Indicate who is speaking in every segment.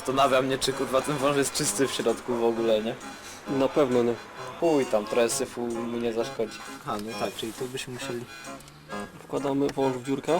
Speaker 1: Zastanawia mnie, czy kurwa ten wąż jest czysty w środku w ogóle, nie?
Speaker 2: Na pewno nie.
Speaker 1: Chuj tam, trochę syfu mu nie zaszkodzi. A no tak, czyli tu byśmy musieli...
Speaker 2: Wkładamy wąż w dziurkę.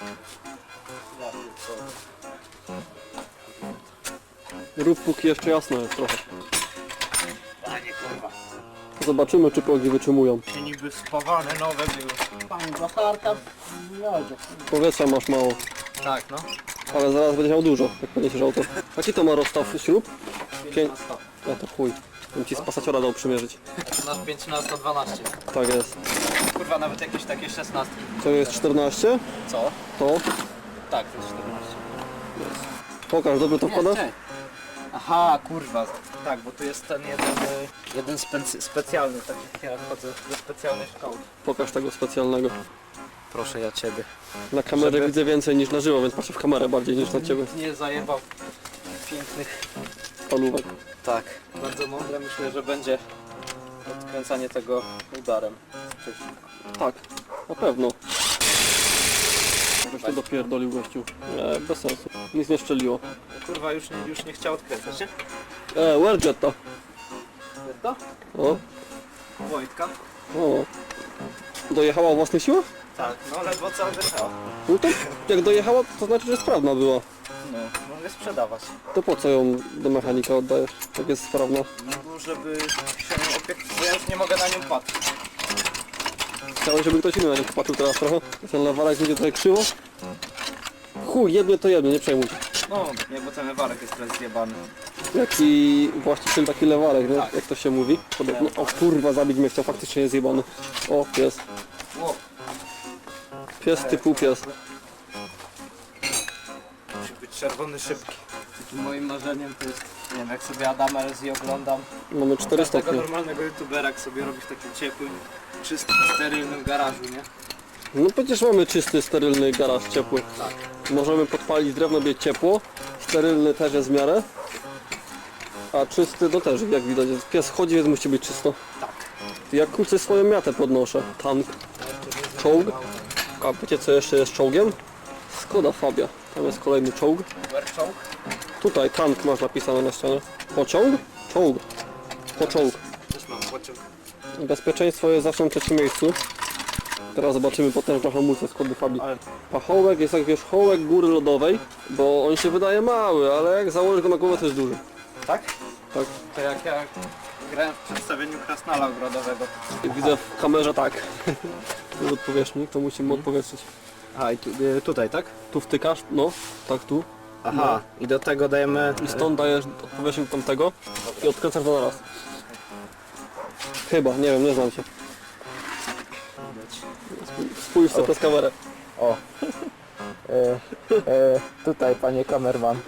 Speaker 2: Rób póki jeszcze jasno jest trochę.
Speaker 1: Panie kurwa.
Speaker 2: Zobaczymy, czy progi wytrzymują.
Speaker 1: Się niby spawane nowe były.
Speaker 3: Pan zatarta w miodzie.
Speaker 2: Powietrza masz mało,
Speaker 1: Tak, no.
Speaker 2: ale zaraz będziesz miał dużo, jak podniesiesz auto. Jaki to ma rozstaw śrub? 5. Ja to chuj. Bym ci z pasaciora dał przymierzyć.
Speaker 1: Nasz 5 na 112.
Speaker 2: Tak jest.
Speaker 1: Kurwa, nawet jakieś takie 16.
Speaker 2: To jest 14.
Speaker 1: Co?
Speaker 2: To.
Speaker 1: Tak, to jest 14.
Speaker 2: Pokaż, dobrze to wkładasz?
Speaker 1: Aha, kurwa. Tak, bo tu jest ten jeden specjalny, tak jak ja chodzę ze specjalnej szkoły.
Speaker 2: Pokaż tego specjalnego.
Speaker 1: Proszę ja ciebie.
Speaker 2: Na kamerze
Speaker 1: Żeby-
Speaker 2: widzę więcej niż na żywo, więc patrzę w kamerę bardziej niż na ciebie.
Speaker 1: Nie zajebał pięknych.
Speaker 2: Palówek.
Speaker 1: Tak. Bardzo mądre, myślę, że będzie odkręcanie tego udarem.
Speaker 2: Tak, na pewno. Żeś to dopierdolił gościu. Nie, bez sensu. Nic nie szczeliło.
Speaker 1: Kurwa, już nie chciał odkręcać, nie?
Speaker 2: Where's to?
Speaker 1: Jest to?
Speaker 2: O,
Speaker 1: Wojtka?
Speaker 2: o. Dojechała o własnych siłach?
Speaker 1: Tak, no ledwo co wyszło.
Speaker 2: No to jak dojechała, to znaczy, że sprawna była.
Speaker 1: No, mogę sprzedawać.
Speaker 2: To po co ją do mechanika oddajesz, jak jest sprawna?
Speaker 1: No, żeby się nią opiekować, bo ja już nie mogę na nią patrzeć.
Speaker 2: Chciałeś, żeby ktoś inny na nią popatrzył teraz trochę? Ten lewarek będzie trochę krzywo? Chuj, jednie to jedno, nie przejmuj się.
Speaker 1: No, nie, bo ten lewarek jest teraz zjebany.
Speaker 2: Jaki właściciel taki lewarek, nie?
Speaker 1: Tak.
Speaker 2: Jak to się mówi? Podobno. O kurwa, zabić mnie chciał, faktycznie jest zjebany. O, pies.
Speaker 1: Ło,
Speaker 2: Pies typu pies.
Speaker 1: musi być czerwony szybki. Takim moim marzeniem to jest, nie wiem, jak sobie Adama LZ oglądam.
Speaker 2: Mamy 4
Speaker 1: Każdego
Speaker 2: stopnie.
Speaker 1: normalnego youtubera, jak sobie robi w takim ciepłym, czystym, sterylnym garażu, nie?
Speaker 2: No przecież mamy czysty, sterylny garaż ciepły.
Speaker 1: Tak.
Speaker 2: Możemy podpalić drewno, być ciepło. Sterylny też jest w miarę. A czysty no też, jak widać. Pies chodzi, więc musi być czysto.
Speaker 1: Tak.
Speaker 2: Ja kurczę swoją miatę podnoszę. Tank, czołg. A wiecie co jeszcze jest czołgiem? Skoda Fabia. Tam jest kolejny czołg.
Speaker 1: Werczołg?
Speaker 2: Tutaj tank masz napisane na ścianie. Pociąg? Czołg. Pociąg.
Speaker 1: Też mam pociąg.
Speaker 2: Bezpieczeństwo jest zawsze na trzecim miejscu. Teraz zobaczymy potężną hamulcę Skody Fabii.
Speaker 1: Ale-
Speaker 2: Pachołek jest jak wierzchołek góry lodowej, bo on się wydaje mały, ale jak założysz go na głowę to jest duży.
Speaker 1: Tak?
Speaker 2: Tak.
Speaker 1: To jak ja grałem w przedstawieniu krasnala ogrodowego.
Speaker 2: Widzę w kamerze tak. Tu odpowierzchnik, to musimy odpowietrzyć.
Speaker 1: A i tutaj, tak?
Speaker 2: Tu wtykasz, no, tak tu.
Speaker 1: Aha, i do tego dajemy...
Speaker 2: I stąd dajesz odpowierzchnik tamtego i odkręcasz to na raz. Chyba, nie wiem, nie znam się. Spójrz sobie przez kamerę.
Speaker 1: O. Tutaj, panie kamerman.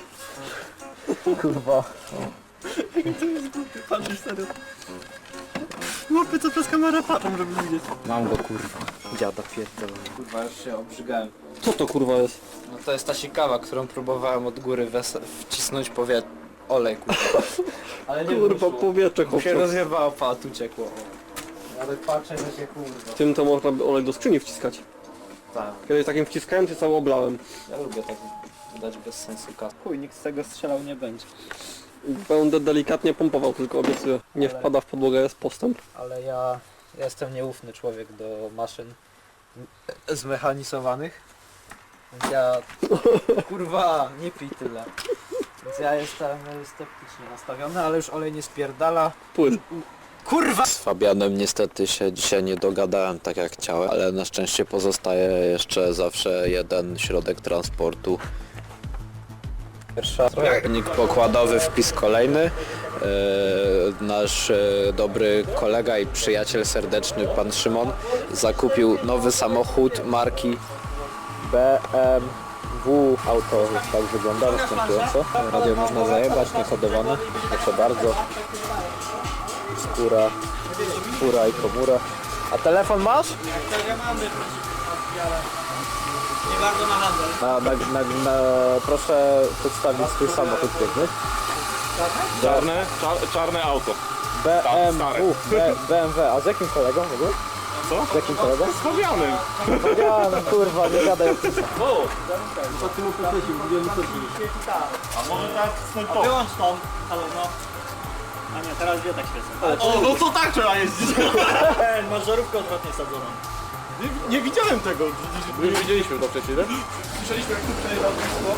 Speaker 1: Kurwa.
Speaker 2: Patrzysz serio. Łapy co przez kamerę patrzą, żeby widzieć.
Speaker 1: Mam go, kurwa. Dziada pierdolę. Kurwa, już się obrzygałem.
Speaker 2: Co to kurwa jest?
Speaker 1: No to jest ta sikawa, którą próbowałem od góry wcisnąć olej, kurwa. Ale nie
Speaker 2: Kurwa,
Speaker 1: wyszło.
Speaker 2: powietrze
Speaker 1: Się
Speaker 2: chłopcze.
Speaker 1: rozjebało, tu uciekło. Ale patrzę, że się kurwa.
Speaker 2: Tym to można by olej do skrzyni wciskać.
Speaker 1: Tak.
Speaker 2: Kiedyś takim wciskałem, się cały oblałem.
Speaker 1: Ja lubię tak dać bez sensu kas. Chuj, nikt z tego strzelał nie będzie.
Speaker 2: Będę delikatnie pompował, tylko obiecuję. Nie wpada w podłogę, jest postęp.
Speaker 1: Ale ja jestem nieufny człowiek do maszyn zmechanizowanych. Więc ja... Kurwa, nie pij tyle. Więc ja jestem sceptycznie nastawiony, ale już olej nie spierdala.
Speaker 2: Płyn.
Speaker 1: Kurwa!
Speaker 4: Z Fabianem niestety się dzisiaj nie dogadałem tak jak chciałem, ale na szczęście pozostaje jeszcze zawsze jeden środek transportu.
Speaker 1: Pierwsza
Speaker 4: Silnik pokładowy, wpis kolejny. Nasz dobry kolega i przyjaciel serdeczny, pan Szymon, zakupił nowy samochód marki BMW. Auto tak wygląda następująco. Radio można zajebać, niekodowane, proszę bardzo. Skóra, fura i komura. A telefon masz?
Speaker 1: Nie bardzo na handel.
Speaker 4: Proszę przedstawić swój samochód piękny.
Speaker 5: Czarne auto.
Speaker 4: BMW, BMW, a z jakim kolegą w ogóle?
Speaker 5: Co?
Speaker 2: Z jakim kolegą?
Speaker 5: Z Fabianem.
Speaker 2: Ja, no kurwa, nie gadaj o tym.
Speaker 5: A może tak snajpować?
Speaker 6: Wyłącz tą, halo no. A nie, teraz dwie tak świecą.
Speaker 5: O, no to tak trzeba jeździć.
Speaker 6: Masz żarówkę odwrotnie sadzoną.
Speaker 5: Nie widziałem tego.
Speaker 7: My widzieliśmy to przecież, nie?
Speaker 5: Słyszeliśmy jak tu przejeżdżał wszystko.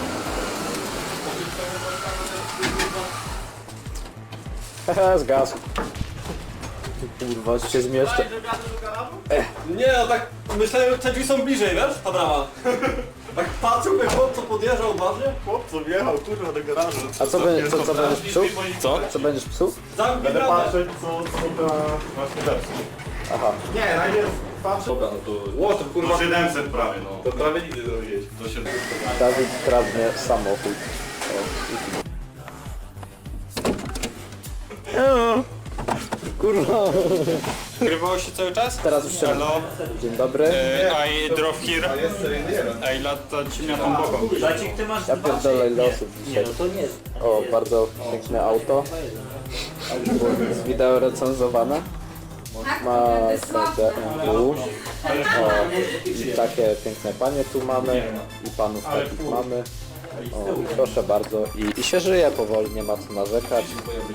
Speaker 2: Hehe, zgasł. Kurwa, się zmieszczę.
Speaker 7: Nie, no tak myślałem, że te drzwi są bliżej, wiesz? Ta brama. Tak patrzył, jak chłop co podjeżdżał odważnie.
Speaker 5: Chłop co wjechał, kurwa, do garażu.
Speaker 2: A co będziesz psuł?
Speaker 5: Co?
Speaker 2: Co będziesz psuł?
Speaker 7: Zamknij
Speaker 5: Będę
Speaker 7: bramę.
Speaker 5: patrzeć, co ta właśnie zepsuł.
Speaker 2: Aha.
Speaker 5: Nie, najpierw patrzę.
Speaker 7: Dobra, no to... Ło, to kurwa...
Speaker 5: 700 prawie, no.
Speaker 7: To prawie nigdy zrobiłeś.
Speaker 5: Do 700.
Speaker 2: Dawid kradnie samochód. Kurwa.
Speaker 8: Grywało się cały czas?
Speaker 2: Teraz już się...
Speaker 8: Hello,
Speaker 2: Dzień dobry.
Speaker 8: I drove here. I latać miatą boką.
Speaker 6: Zacik, ty masz
Speaker 2: Ja pierdolę ile osób dzisiaj.
Speaker 6: to nie jest.
Speaker 2: O, bardzo piękne auto. Z wideo recenzowane. Ma BMW. O, i takie piękne panie tu mamy. I panów takich mamy. O, proszę bardzo. I się żyje powoli, nie ma co narzekać.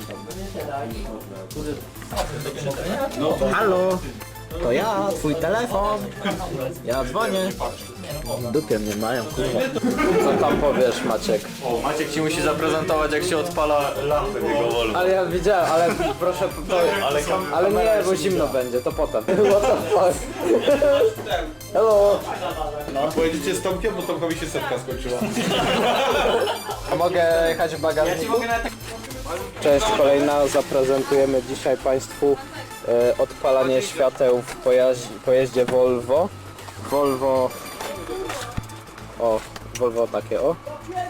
Speaker 1: Halo, to ja, twój telefon. Ja dzwonię. Dupie mnie mają, kurwa.
Speaker 2: Co tam powiesz, Maciek?
Speaker 7: O, Maciek ci musi zaprezentować, jak się odpala lampę w jego Volvo.
Speaker 2: Ale ja widziałem, ale proszę... Ale nie, bo zimno będzie, to potem. What the fuck? Hello!
Speaker 7: Pojedziecie z Tomkiem, bo Tomkowi się setka skończyła.
Speaker 2: A mogę jechać w bagażniku? Cześć, kolejna. Zaprezentujemy dzisiaj Państwu odpalanie świateł w pojeździe Volvo. Volvo... O, Volvo takie, o.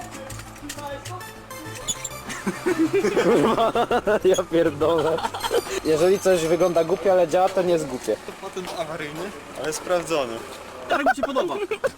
Speaker 2: Kurwa, ja pierdolę. Jeżeli coś wygląda głupio, ale działa, to nie jest głupie.
Speaker 5: Patent awaryjny, ale sprawdzony.
Speaker 7: Tak mi się podoba.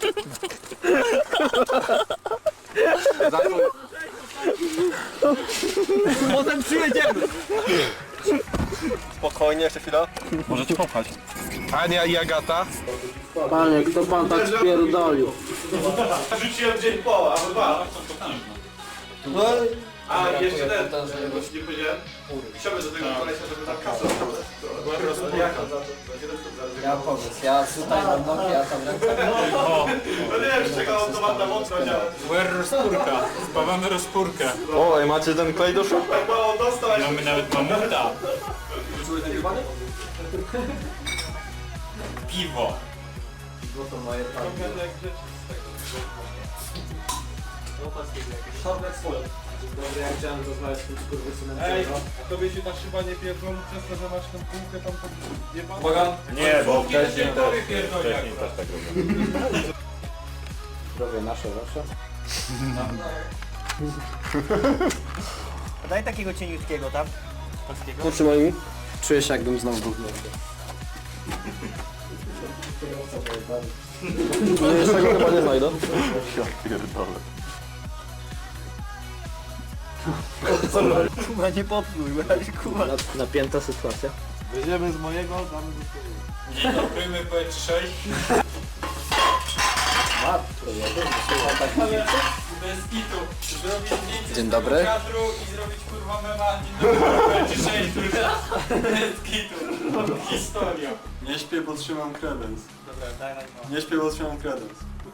Speaker 7: Potem przyjedziemy.
Speaker 5: Spokojnie, jeszcze chwila. Możecie popchać. Ania i Agata.
Speaker 2: Panie, kto pan tak spierdolił?
Speaker 5: Rzuciłem dzień po, albo dwa.
Speaker 7: No,
Speaker 5: A jeszcze ten, właśnie nie powiedziałem. Chciałbym do tego kolesia, żeby ta kasa była rozpojaka.
Speaker 1: Ja pomysł, ja tutaj mam nogi, a tam ręce.
Speaker 5: No nie wiem, z czego automata mocno działa.
Speaker 8: Where rozpórka? Spawamy rozpórkę.
Speaker 7: O, macie ten klej do szub?
Speaker 5: Tak mało dostał, a
Speaker 8: Mamy nawet mamuta. Piwo.
Speaker 1: Dobry, jak chciałem rozmawiać z tym skurwysynem.
Speaker 5: Ej, a tobie się ta szyba nie pierdolą przez to, że masz tę półkę tam pod jebaną?
Speaker 7: Uwaga.
Speaker 5: Nie, bo wcześniej
Speaker 8: też tak robię.
Speaker 2: Zdrowie nasze zawsze.
Speaker 6: Daj takiego cieniutkiego tam. Polskiego.
Speaker 2: Potrzymaj mi.
Speaker 1: Czuję się, jakbym znowu był.
Speaker 2: No jeszcze tego chyba nie znajdę.
Speaker 6: Kurwa, nie popluj, kurwa.
Speaker 1: Napięta sytuacja.
Speaker 5: Weźmiemy z mojego, damy do twojego.
Speaker 8: Dzień dobry, my PE3. Bez kitu. Zrobić zdjęcie
Speaker 1: Dzień
Speaker 8: z
Speaker 1: dobry.
Speaker 8: tego kadru i zrobić kurwa mema. Dzień dobry, PE3, kurwa. Bez kitu. Historia.
Speaker 5: Nie śpię, bo trzymam kredens.
Speaker 6: Dobra, daj na dwa.
Speaker 5: Nie śpię, bo trzymam kredens.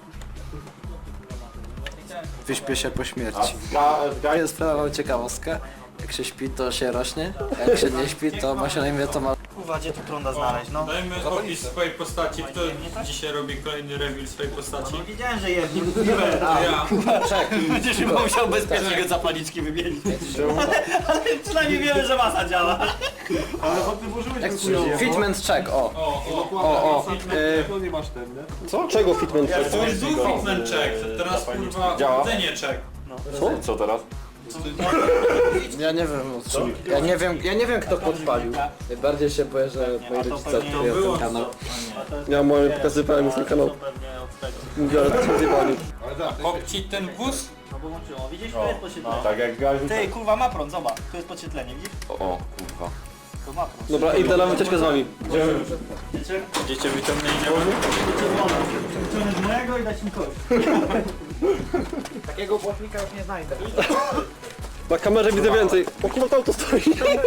Speaker 1: Wyśpię się po śmierci. Ja sprawę ciekawostkę. Jak się śpi, to się rośnie. Jak się nie śpi, to ma się na imię Tomasz.
Speaker 6: Kurwa, gdzie tu prąda znaleźć, no?
Speaker 8: Dajmy opis swojej postaci. Kto dzisiaj robi kolejny reveal swojej postaci?
Speaker 6: No wiedziałem, że jedni mówiłem.
Speaker 8: Ja.
Speaker 6: Będziesz musiał bezpiecznie zapalniczki wymienić. Ale przynajmniej wiemy, że masa działa.
Speaker 5: Ale bo ty włożyłeś ten chujowo.
Speaker 1: Fitment check, o.
Speaker 8: O.
Speaker 5: To nie masz ten, nie?
Speaker 2: Co? Czego fitment?
Speaker 8: To już był fitment check. Teraz kurwa chodzenie check.
Speaker 5: Co teraz?
Speaker 1: Ja nie wiem o czym. Ja nie wiem kto podpalił. Najbardziej się boję, że moi rodzice odkryją ten kanał.
Speaker 2: Ja moje pokazywałem już na kanał.
Speaker 6: Pewnie od tego.
Speaker 2: Mówię, ale to zjebani.
Speaker 8: Kopci ten wóz.
Speaker 6: No bo włączyło, widzisz, tu jest podświetlenie.
Speaker 5: Tak jak gaziu.
Speaker 6: Ty, kurwa, ma prąd, zobacz. Tu jest podświetlenie, widzisz?
Speaker 5: O, kurwa.
Speaker 7: Dobra, idę na wycieczkę z wami.
Speaker 8: Dziecię wyciągnę i idziemy.
Speaker 6: Wyciągnę z mojego i dać mi kość.
Speaker 1: Takiego błotnika już nie znajdę.
Speaker 7: Na kamerze widzę więcej. O kurwa, to auto stoi.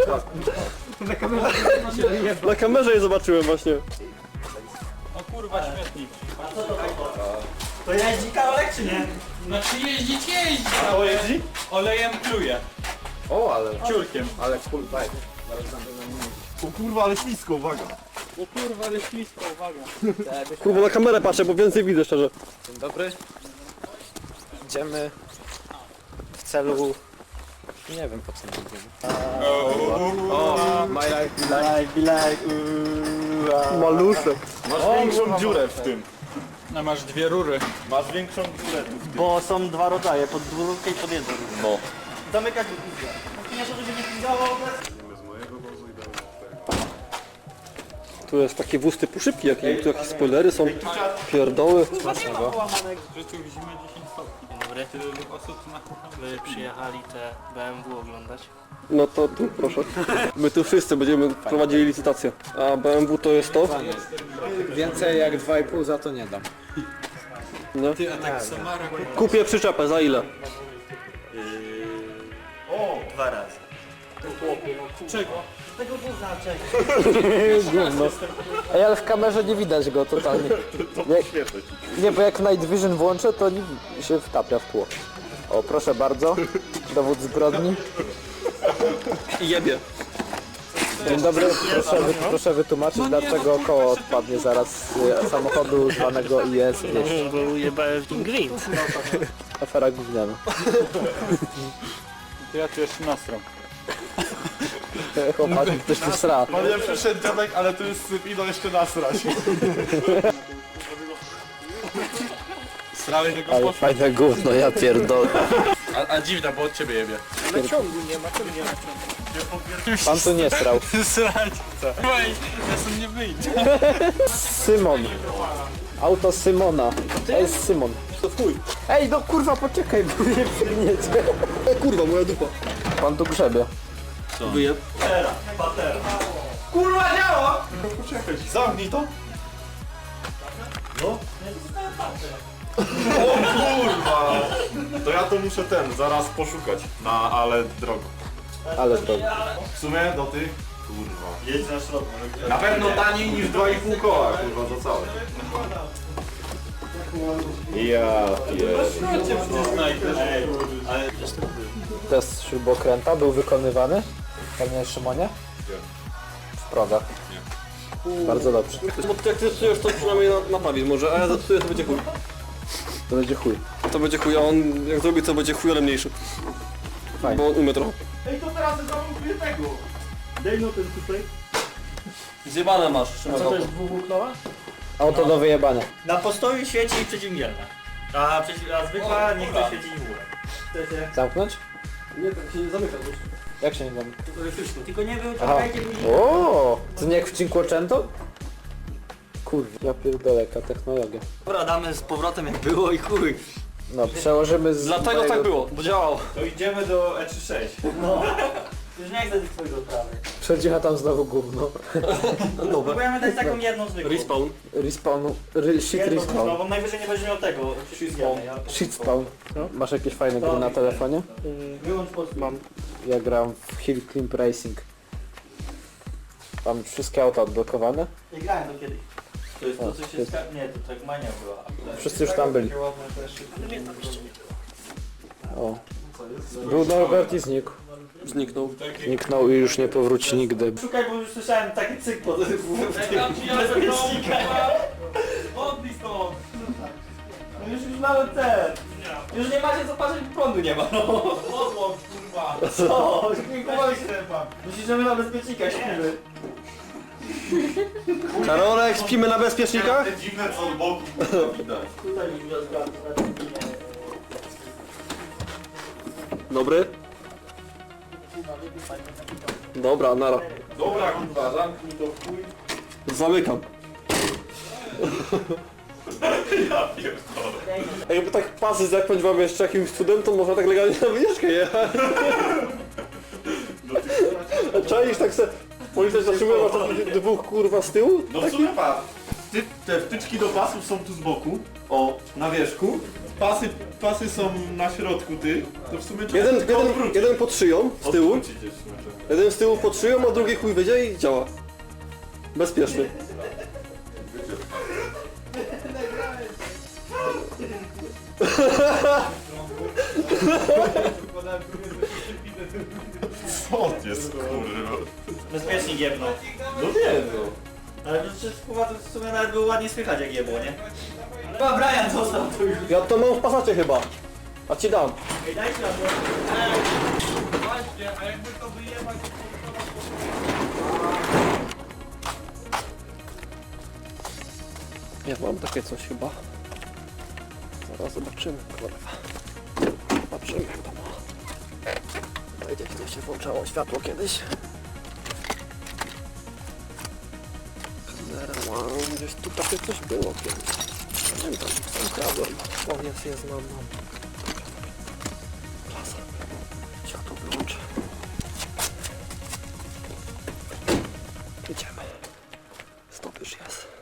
Speaker 7: Na kamerze je zobaczyłem właśnie.
Speaker 8: O kurwa, śmietnik.
Speaker 6: To jeździ Karolek czy nie?
Speaker 8: Znaczy jeździć jeździ.
Speaker 7: O, jeździ?
Speaker 8: Olejem pluje.
Speaker 2: O, ale
Speaker 8: Ciurkiem.
Speaker 2: full bike.
Speaker 7: O kurwa, ale ślisko, uwaga.
Speaker 8: O kurwa, ale ślisko, uwaga.
Speaker 7: Kurwa, na kamerę patrzę, bo więcej widzę szczerze.
Speaker 1: Dzień dobry. Idziemy w celu... Nie wiem po co my idziemy.
Speaker 2: My life,
Speaker 6: Be like,
Speaker 7: Malusze.
Speaker 8: Masz większą dziurę w tym. No masz dwie rury. Masz większą dziurę tu w tym.
Speaker 6: Bo są dwa rodzaje, pod dwururkę i pod jedną.
Speaker 8: No.
Speaker 6: Zamykać lub pizza. Nie, żeby się nie pizzało,
Speaker 7: Tu jest takie wóz typu szybki, tu jakieś spoilery są. Pierdoły.
Speaker 8: W życiu w zimę 10 stopni.
Speaker 9: Dobry.
Speaker 8: Tyle osób na
Speaker 9: Wy przyjechali te BMW oglądać.
Speaker 7: No to tu, proszę. My tu wszyscy będziemy prowadzili licytację. A BMW to jest to?
Speaker 1: Więcej jak 2,5 za to nie dam.
Speaker 7: No.
Speaker 8: Ty, a tak Samara
Speaker 7: Kupię przyczepę, za ile?
Speaker 6: dwa razy.
Speaker 8: Czego?
Speaker 6: Tego buza, czego?
Speaker 1: Ej, ale w kamerze nie widać go totalnie. Nie, bo jak Night Vision włączę, to nie się wtapia w tło. O, proszę bardzo. Dowód zbrodni.
Speaker 7: I jebie.
Speaker 1: Dzień dobry, proszę wytłumaczyć, dlaczego koło odpadnie zaraz z samochodu zwanego IS 200.
Speaker 9: Bo ujebałem w nim gwint.
Speaker 1: Afera gówniana.
Speaker 8: Ja tu jeszcze nastrom.
Speaker 1: Chłopaki, ktoś tu sra.
Speaker 7: Nie przyszedł dziadek, ale tu jest syp, idą jeszcze nasrać.
Speaker 8: Srałeś tego
Speaker 1: Ale fajne gówno, ja pierdolę.
Speaker 8: A dziwna, bo od ciebie jebie.
Speaker 1: Pan tu nie srał.
Speaker 8: Srać chce. Oj, ja stąd nie wyjdę.
Speaker 1: Symon. Auto Symona. To jest Symon.
Speaker 7: To chuj.
Speaker 1: Ej, no kurwa, poczekaj, bo mnie przygniecie.
Speaker 7: Kurwa, moja dupa.
Speaker 1: Pan tu grzebie.
Speaker 7: Wyjeb.
Speaker 6: Kurwa działa!
Speaker 7: Zamknij to.
Speaker 10: To ja to muszę zaraz poszukać, ale drogo.
Speaker 1: Ale drogo.
Speaker 10: W sumie do tych, kurwa.
Speaker 6: Jedź na środek.
Speaker 10: Na pewno taniej niż 2,5 koła, kurwa, za całe. Ja
Speaker 1: Test śrubokręta był wykonywany, panie Szymonie? W progach. Bardzo dobrze.
Speaker 7: Jak ty zepsujesz, to przynajmniej naprawisz może, a ja zepsuję, to będzie chuj.
Speaker 1: To będzie chuj.
Speaker 7: To będzie chuj, a on jak zrobi, to będzie chuj, ale mniejszy.
Speaker 1: Fajnie.
Speaker 7: Bo on umie trochę.
Speaker 6: Ej, to teraz zamontuję tego. Dej no ten tutaj.
Speaker 7: Zjebane masz,
Speaker 6: Co to jest dwuwłóknowa?
Speaker 1: Auto do wyjebania.
Speaker 6: Na postoju świeci przeciwdzielna. A zwykła nie chce świecić w górę. Chcecie?
Speaker 1: Zamknąć?
Speaker 7: Nie, tak się nie zamyka.
Speaker 1: Jak się nie zamyka?
Speaker 6: Tylko nie
Speaker 1: Aha.
Speaker 6: wyciągajcie później.
Speaker 1: O, to nie jak w Cinquecento? Kurwa, ja pierdolę, jaka technologia.
Speaker 6: Dobra, damy z powrotem jak było i chuj.
Speaker 1: No, przełożymy z
Speaker 7: Dlatego
Speaker 1: mojego-
Speaker 7: tak było, bo działało.
Speaker 10: To idziemy do E36.
Speaker 6: No. Już nie chcę tych twojego prawy.
Speaker 1: Przedziecha tam znowu gówno.
Speaker 6: Próbujemy dać taką jedną zwykłą.
Speaker 7: Respawn.
Speaker 1: Respawn, shit
Speaker 6: Jedną
Speaker 1: respawn.
Speaker 6: zwykłą, bo najwyżej nie będzie miał tego. Shitspawn.
Speaker 1: Shit spawn. Masz jakieś fajne gry na telefonie?
Speaker 6: Wyłącz polski.
Speaker 1: Mam. Ja gram w Hill Climb Racing. Mam wszystkie auta odblokowane.
Speaker 6: Nie grałem to kiedyś. To jest to, co się
Speaker 1: jest-
Speaker 6: Nie, to tak mania była.
Speaker 1: Wszyscy już tam byli. O. Był Norbert i znikł.
Speaker 7: Zniknął.
Speaker 1: Zniknął i już nie powróci nigdy.
Speaker 6: Szukaj, bo już słyszałem taki cyk po tym.
Speaker 8: Odbij stąd.
Speaker 6: No już nawet ten. Już nie macie co patrzeć, prądu nie ma. No.
Speaker 8: Podłącz, kurwa.
Speaker 6: Co? Musisz, żeby na bezpiecznika śpimy.
Speaker 7: Karolek, śpimy na bezpiecznikach?
Speaker 10: Te dziwne co od boku, widać.
Speaker 6: Tutaj mi rozgadł.
Speaker 7: Dobry. Dobra, nara.
Speaker 10: Dobra, kurwa, zamknij to w chuj.
Speaker 7: Zamykam. A jakby tak pasy zapiąć wam jeszcze jakimś cudem, to można tak legalnie na wycieczkę jechać. Czaisz tak se... Policja zatrzymuje was takich dwóch kurwa z tyłu?
Speaker 10: No w sumie patrz. Te wtyczki do pasów są tu z boku. O, na wierzchu. Pasy są na środku ty. To w sumie trzeba tylko odwrócić.
Speaker 7: Jeden pod szyją z tyłu,
Speaker 10: Odwrócić jest w sumie trzeba.
Speaker 7: jeden z tyłu pod szyją, a drugi chuj wyjdzie i działa. Bezpieczny.
Speaker 10: Co jest kurwa?
Speaker 6: Bezpiecznik jebną.
Speaker 10: No nie no.
Speaker 6: Ale to przecież kurwa to w sumie nawet było ładnie słychać jak jebło, nie? Chyba Brian został tu już.
Speaker 7: Ja to mam w pasacie chyba. A ci dam.
Speaker 6: Ej, daj światło.
Speaker 8: Właśnie, a jakby to wyjebać...
Speaker 7: Ja mam takie coś chyba. Zaraz zobaczymy, kurwa. Zobaczymy jak to ma. Tutaj gdzieś się włączało światło kiedyś. Gdzieś tu takie coś było kiedyś. Pamiętam, sam kradłem. O, jest, mam. Klasa. Światło wyłączę. Idziemy. Stop już jest.